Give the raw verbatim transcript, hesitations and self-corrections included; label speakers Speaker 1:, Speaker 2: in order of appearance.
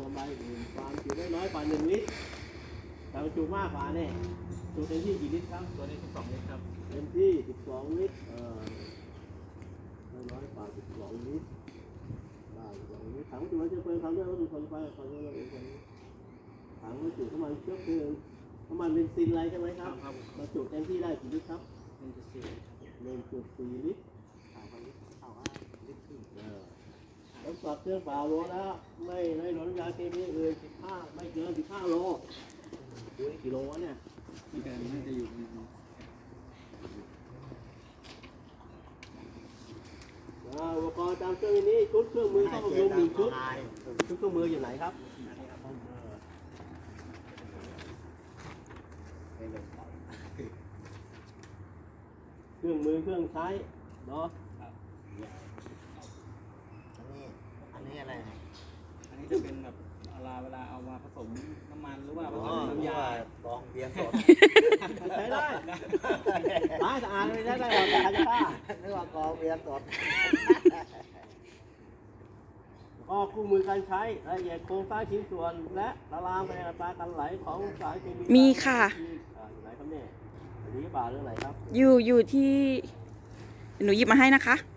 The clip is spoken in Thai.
Speaker 1: ลำไรอื่นความจุได้น้อยกว่าหนึ่งลิตรแต่บรรจุมากกว่าเนี่ยจุเต็มที่กี่ลิตรครับ
Speaker 2: ตัวนี้สิบสองลิตรครับ
Speaker 1: เต็มที่สิบสองลิตรเออน้อยกว่าสิบสองลิตรได้สิบสองลิตรถังบรรจุน้ำเชื้อเพลิงทำด้วยวัตถุทนไฟทำด้วยเราเองถังบรรจุน้ำมันเชื้อเพลิงน้ำมันเบนซินอะไรใช่ไหมครับบรรจุเต็มที่ได้กี่ลิตรครับ
Speaker 2: หนึ่งจุดสี่
Speaker 1: หนึ่งจุดสี่ลิตร
Speaker 2: ถามว่าลิตรถามว่าลิตรครึ่ง
Speaker 1: แล้วปรับเครื่องเปล่าโลแล้วไม่ไม่ลดน้ำยาเคมีอื่นสิบห้าไม่เกินสิบห้าโลดูนี่กี่โลวะเนี่ย
Speaker 2: ที่การน่าจะอยู่ในนี้
Speaker 1: อุปกรณ์ตามเครื่องนี้ชุดเครื่องมือต้องบำรุงหนึ่งชุดชุดเครื่องมืออยู่ไหนครับเครื่องมือเครื่องใช้เนาะ
Speaker 2: อันนี้อันนี้อะไรอันนี้จะเป็นแบบเวลาเวลาเอามาผสมน้ำมันหรือว่าผสมน้ำยา
Speaker 3: บองเบียร์สด
Speaker 1: ใช้ได้ล้างสะอาดไม่ได้ได้หรอกแต่จะฆ่า
Speaker 3: นึกว่ากองเบียร์สด
Speaker 1: ก็คู่มือการใช้รายละเอียดโครงสร้างชิ้นส่วนและละลายไปในอัตราการไหลของสารเคมี
Speaker 4: มีค่ะ
Speaker 1: อยู่ไหนครับเนี่ยอันนี้บาเรื่องไหนครับ
Speaker 4: อยู่อยู่ที่หนูหยิบมาให้นะคะ